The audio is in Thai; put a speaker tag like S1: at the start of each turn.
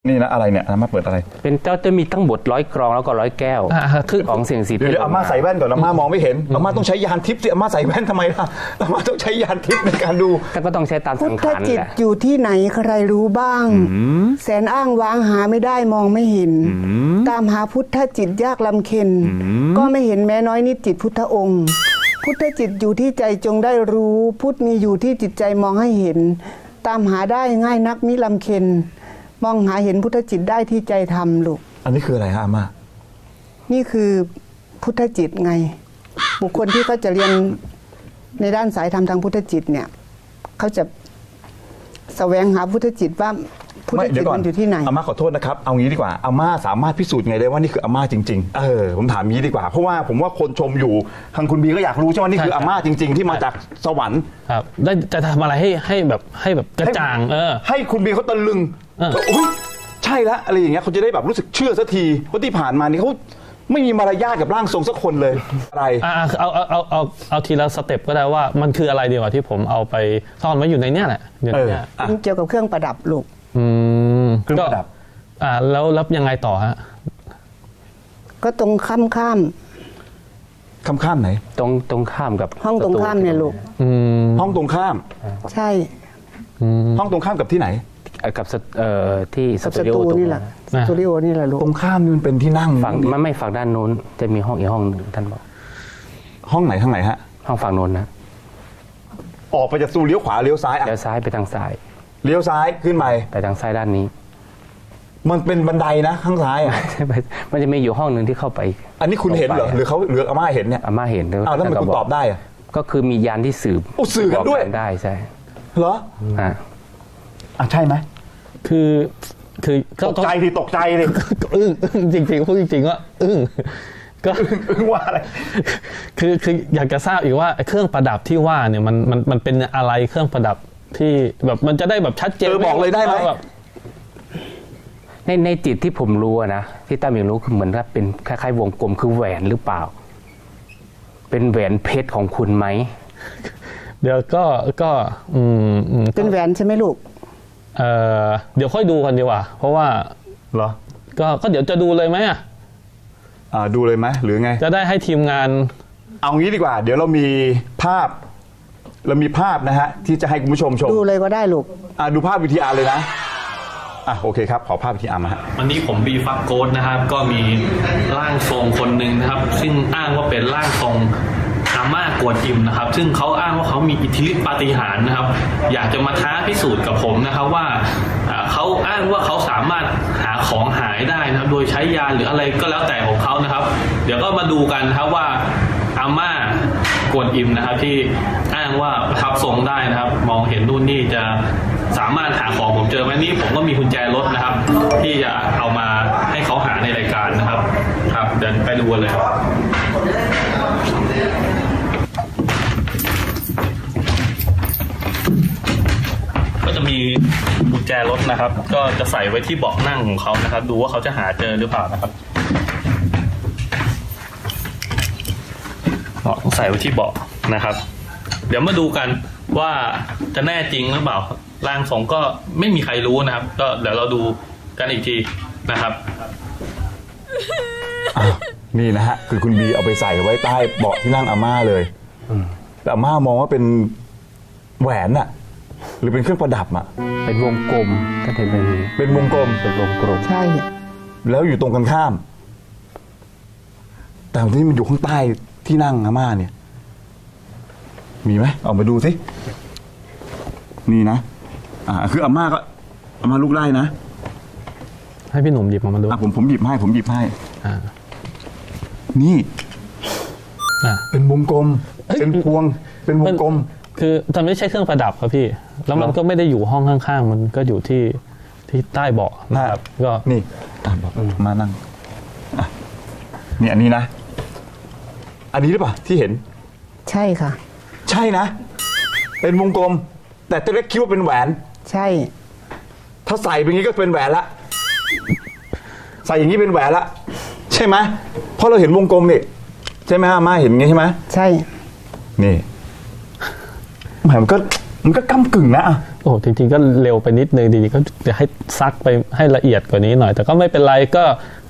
S1: นี่นะอะไรเนี่ยอาม่าเปิดอะไร
S2: เป็นเจ้าจะมีทั้งหมด100 กรองแล้วก็100 แก้วคือของเสี่ยงสี
S1: เดี๋ยวอาม่าใส่แว่นก่อนอาม่ามองไม่เห็นอาม่าต้องใช้ยานทิพย์สิอาม่าใส่แว่นทำไมล่ะอาม่าต้องใช้ยานทิพย์ในการดู
S2: แต่ก็ต้องใช้ตามสังขาร
S3: พุทธจิตอยู่ที่ไหนใครรู้บ้างแสนอ้างว้างหาไม่ได้มองไม่เห็นตามหาพุทธจิตยากลำเค็ญก็ไม่เห็นแม้น้อยนิดจิตพุทธองค์พุทธจิตอยู่ที่ใจจงได้รู้พุทธมีอยู่ที่จิตใจมองให้เห็นตามหาได้ง่ายนักมิลำเค็ญมองหาเห็นพุทธจิตได้ที่ใจทำลูก
S1: อันนี้คืออะไรฮะอาม่า
S3: นี่คือพุทธจิตไงบุคคลที่เขาจะเรียนในด้านสายธรรมทางพุทธจิตเนี่ยเขาจะแสวงหาพุทธจิตว่าพุทธจิตมันอยู่ที่ไหน
S1: อาม่าขอโทษนะครับเอางี้ดีกว่าอาม่าสามารถพิสูจน์ไงได้ว่านี่คืออาม่าจริงๆผมถามงี้ดีกว่าเพราะว่าผมว่าคนชมอยู่ทางคุณบีก็อยากรู้ใช่ไหมนี่คืออาม่าจริงๆที่มาจากสวรรค์
S4: ครับได้จะทำอะไรให้แบบกระจ่าง
S1: ให้คุณบีเขาตะลึงอุ้ยใช่ละอะไรอย่างเงี้ยเขาจะได้แบบรู้สึกเชื่อสักทีเพราะที่ผ่านมานี่เขาไม่มีมารยาทกับร่างทรงสักคนเลยอะไร
S4: เอาทีละสเต็ปก็ได้ว่ามันคืออะไรดีกว่าที่ผมเอาไปซ่อนไว้อยู่ในเนี้ยแหละ
S3: เกี่ยวกับเครื่องประดับลูก
S1: เครื่องประดับ
S4: แล้วยังไงต่อฮะ
S3: ก็ตรงข้าม
S1: ไหน
S2: ตรงข้ามกับ
S3: ห้องตรงข้ามเนี่ยลูก
S1: ห้องตรงข้าม
S3: ใช่
S1: ห้องตรงข้ามกับที่ไหน
S2: กับที่สตูดิโอ
S3: นี่แหละสตูดิโอนี่แหละลูก
S1: ตรงข้ามนี่มันเป็นที่นั่ง
S2: ฝั่งมันไม่ฝั่งด้านโน้นจะมีห้องอีกห้องนึงท่านบอก
S1: ห้องไหนทางไหนฮะ
S2: ห้องฝั่งโน้นนะ
S1: ออกไปจากตู้เลี้ยวขวาเลี้ยวซ้าย
S2: เลี้ยวซ้ายไปทางซ้าย
S1: เลี้ยวซ้ายขึ้นไป
S2: ทางซ้ายด้านนี้
S1: มันเป็นบันไดนะข้างซ้าย
S2: มันจะมีอยู่ห้องหนึ่งที่เข้าไป
S1: อันนี้คุณเห็นเหรอหรือเขาหรืออาม่าเห็นเนี่ย
S2: อาม่าเห็น
S1: แล้วทำไมคุณตอบได้อะ
S2: ก็คือมียานที่สืบ
S1: กันด้วย
S2: ได้ใช่
S1: เหรอใช่ไหม
S4: คือ
S1: ตกใจดิตกใจดิ
S4: อึ้งจริงๆพูดจริงๆว่าอึ้งก็
S1: ว่าอะไร
S4: คืออยากจะทราบอีกว่าเครื่องประดับที่ว่าเนี่ยมันเป็นอะไรเครื่องประดับที่แบบมันจะได้แบบชัดเจน
S1: บอกเลยได้ไหม
S2: ในจิตที่ผมรู้นะที่ตั้มยังรู้คือเหมือนว่าเป็นคล้ายๆวงกลมคือแหวนหรือเปล่าเป็นแหวนเพชรของคุณไหม
S4: เดี๋ยวก็
S3: เป็นแหวนใช่ไหมลูก
S4: เดี๋ยวค่อยดูกันดีกว่าเพราะว่า
S1: เหรอ
S4: ก็เดี๋ยวจะดูเลยไหม
S1: ดูเลยไหมหรือไง
S4: จะได้ให้ทีมงาน
S1: เอางี้ดีกว่าเดี๋ยวเรามีภาพนะฮะที่จะให้คุณผู้ชมชม
S3: ดูเลยก็ได้ลูก
S1: ดูภาพวิทยาเลยนะโอเคครับขอภาพวิทยามาฮะ
S4: วันนี้ผมบีฟักโกดนะครับก็มีร่างทรงคนหนึ่งนะครับซึ่งอ้างว่าเป็นร่างทรงอาม่ากวนอิมนะครับซึ่งเขาอ้างว่าเขามีอิทธิฤทธิปาฏิหาริย์นะครับอยากจะมาท้าพิสูจน์กับผมนะครับว่าเขาอ้างว่าเขาสามารถหาของหายได้นะครับโดยใช้ยาหรืออะไรก็แล้วแต่ของเขานะครับเดี๋ยวก็มาดูกันนะครับว่าอาม่ากวนอิมนะครับที่อ้างว่าประทับทรงได้นะครับมองเห็นนู่นนี่จะสามารถหาของผมเจอไหมนี่ผมก็มีกุญแจรถนะครับที่จะเอามาให้เขาหาในรายการนะครับครับเดินไปดูกันเลยครับก็จะมีกุญแจรถนะครับก็จะใส่ไว้ที่เบาะนั่งของเขานะครับดูว่าเขาจะหาเจอหรือเปล่านะครับใส่ไว้ที่เบาะนะครับเดี๋ยวมาดูกันว่าจะแน่จริงหรือเปล่าร่างทรงก็ไม่มีใครรู้นะครับก็เดี๋ยวเราดูกันอีกทีนะครับ
S1: นี่นะฮะคือคุณบีเอาไปใส่ไว้ใต้เบาะที่นั่งอาม่าเลยแต่อาม่ามองว่าเป็นแหวนอะหรือเป็นเครื่องประดับอะ
S2: เป็นวงกลมถ้า
S1: เป็นวงกลม
S3: ใช่
S1: แล้วอยู่ตรงกันข้ามแต่ที่มันอยู่ข้างใต้ที่นั่งอาม่าเนี่ยมีไหมออกมาดูสินี่นะคืออาม่าลุกได้นะ
S4: ให้พี่หนุ่มหยิบมาดู
S1: ผมหยิบให้นี่เป็นวงกลมเป็นพวงเป็นวงกลม
S4: คือมันไม่ใช่เครื่องประดับครับพี่แล้วมันก็ไม่ได้อยู่ห้องข้างๆมันก็อยู่ที่ใต้เบาะนะครับก็
S1: นี่บอกมานั่งนี่อันนี้นะอันนี้หรือเปล่าที่เห็น
S3: ใช่ค่ะ
S1: ใช่นะเป็นวงกลมแต่ตัวเล็กคิดว่าเป็นแหวน
S3: ใช่
S1: ถ้าใส่เป็นงี้ก็เป็นแหวนละใส่อย่างนี้เป็นแหวนละใช่ไหมเพราะเราเห็นวงกลมนี่ใช่ไหมฮะมาเห็นงี้ใช่ไหม
S3: ใช่
S1: นี่มันก็ก้ำกึ่งนะ
S5: โอ้จริงๆก็เร็วไปนิดนึงจริงๆก็จะให้ซักไปให้ละเอียดกว่านี้หน่อยแต่ก็ไม่เป็นไรก็